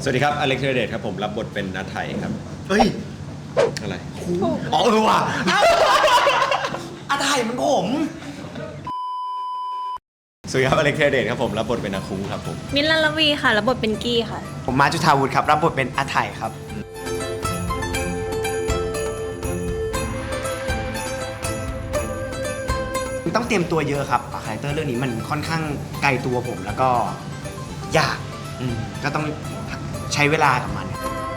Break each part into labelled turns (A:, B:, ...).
A: สวัสดีครับอเล็กธีรเดชครับผมรับบทเป็นนัทไทยครับ
B: เฮ้ย
A: อะไร
B: อ๋อว่ะอาไทยมันผม
A: สวัสดีครับอเล็กธีรเดชครับผมรับบทเป็นอาคุ้งครับผม
C: มิ้นท์ ลัลลวีค่ะรับบทเป็นกี้ค่ะ
B: ผมมาจุธาวุฒิครับรับบทเป็นอาไทยครับต้องเตรียมตัวเยอะครับคาแรคเตอร์เรื่องนี้มันค่อนข้างไกลตัวผมแล้วก็ยากก็ต้องใช้เวลากับมัน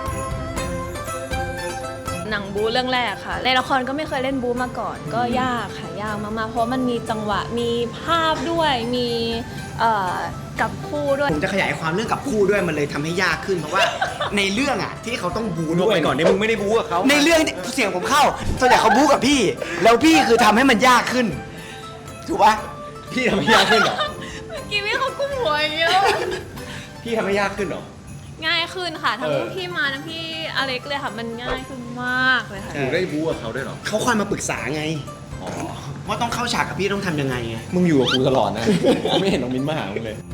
C: หนังบู๊เรื่องแรกค่ะในละครก็ไม่เคยเล่นบู๊มาก่อนก็ยากค่ะยากมากๆเพราะมันมีจังหวะมีภาพด้วยมีกับคู่ด้วย
B: ผมจะขยายความเรื่องกับคู่ด้วยมันเลยทำให้ยากขึ้นเพราะว่าในเรื่องอ่ะที่เขาต้องบู๊ด้วย
A: ก่อนที่มึงไม่ได้บู๊กับเขา
B: ในเรื่องเสียงผมเข้าส่วนใหญ่เขาบู๊กับพี่แล้วพี่คือทำให้มันยากขึ้นถูกปะ
A: พี่ทำให้ยากขึ้นเหรอ
C: เมื่อกี้พี่เขากุ้มหัวอย่างเงี้ย
A: พี่ทำให้ยากขึ้นเหรอ
C: ง่ายขึ้นค่ะทั้งพี่มาทั้งพี่อเล็กเลยค่ะมันง่ายขึ้นมากเลยค่ะ
A: หนูได้บู๊กับเขาด้วยเหรอ
B: เขาคอยมาปรึกษาไงว่าต้องเข้าฉากกับพี่ต้องทำยังไงไง
A: มึงอยู่กับกูตลอดนะไม่เห็นน้องมิ้นมาหามึงเลย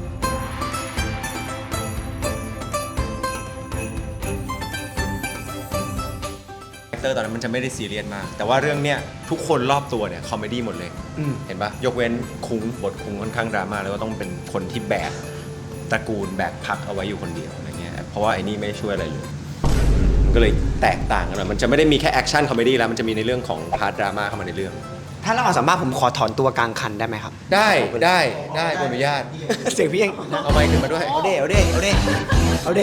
A: ตอนนั้นมันจะไม่ได้ซีเรียสมากแต่ว่าเรื่องเนี้ยทุกคนรอบตัวเนี่ยคอมเมดี้หมดเลยเห็นปะยกเว้นคุ้งบทคุ้งค่อนข้างดราม่าแล้วก็ต้องเป็นคนที่แบกตระกูลแบกพักเอาไว้อยู่คนเดียวอะไรเงี้ยเพราะว่าไอ้นี่ไม่ช่วยอะไรเลยมันก็เลยแตกต่างกันมันจะไม่ได้มีแค่แอคชั่นคอมเมดี้แล้วมันจะมีในเรื่องของพาร์ทดราม่าเข้ามาในเรื่อง
B: ถ้าเราสามารถผมขอถอนตัวกลางคันได้ไหมครับ
A: ได้ขออนุญาต
B: เสียงพี่เอง
A: เอาไมค์ขึ้นมาด้วย
B: เอาเด้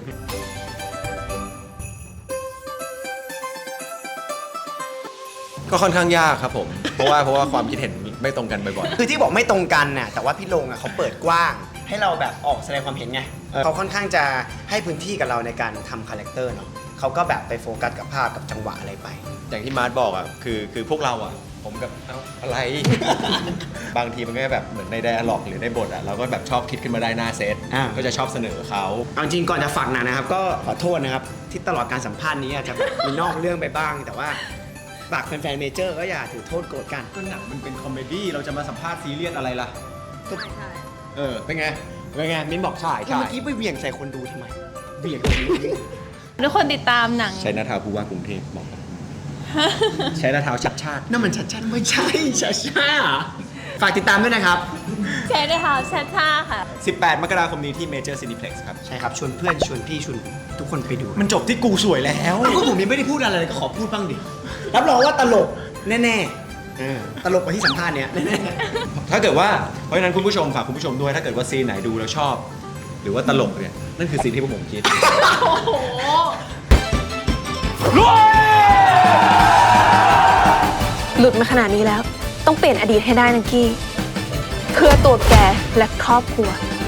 A: ก็ค่อนข้างยากครับผมเพราะว่าความคิดเห็นไม่ตรงกันบ่อย
B: ๆคือที่บอกไม่ตรงกันน่ะแต่ว่าพี่ลงอ่ะเขาเปิดกว้างให้เราแบบออกแสดงความเห็นไงเขาค่อนข้างจะให้พื้นที่กับเราในการทำคาแรคเตอร์เนาะเขาก็แบบไปโฟกัสกับภาพกับจังหวะอะไรไป
A: อย่างที่มาร์ทบอกอ่ะคือพวกเราอ่ะผมกับอะไร บางทีมันก็แบบเหมือนในไดอะล็อกหรือในบทอ่ะเราก็แบบชอบคิดขึ้นมาได้หน้าเซตก็จะชอบเสนอเขา
B: เอาจริงก่อนจะฝากหนังนะครับก็ขอโทษนะครับที่ตลอดการสัมภาษณ์นี้อาจจะมีนอกเรื่องไปบ้างแต่ว่าฝากแฟนๆเมเจอร์ก็อย่าถือโทษโกรธกัน
A: ก็หนังมันเป็นคอมเมดี้เราจะมาสัมภาษณ์ซีเรียสอะไรล่ะ
C: ใช่
A: เป็นไง
B: มิ้นบอกใช่เมื่อกี้ไปเหวี่ยงใส่คนดูทำไมเหวี่ยง
C: ทุกคนติดตามหนัง
A: ใช้หน้าเท้าผู้ว่ากรุงเทพบอกใช้หน้าเท้าชัดชาติ
B: นั่นมันชัดชาติไม่ใช่ชัดชาติฝากติดตามด้วยนะครับ
C: ใช้หน้าเท้าชัดชาติค่ะ
A: 18 มกราคมนี้ที่ Major Cineplex ครับ
B: ใช่ครับชวนเพื่อนชวนพี่ชวนทุกคนไปดู
A: มันจบที่กูสวยแล้ว
B: ก็ผมยังไม่ได้พูดอะไรเลยก็ขอพูดบ้างดิรับรองว่าตลกแน่ๆตลกกว่าที่สัมภาษณ์เนี้ยแน่
A: ๆถ้าเกิดว่าเพราะฉะนั้นคุณผู้ชมฝากคุณผู้ชมด้วยถ้าเกิดว่าซีนไหนดูแล้วชอบหรือว่าตลกเนี่ยนั่นคือซีนที่พวกผมคิด
C: โอ้โห
D: หลุดมาขนาดนี้แล้วต้องเปลี่ยนอดีตให้ได้นะกี้เพื่อตัวแกและครอบครัว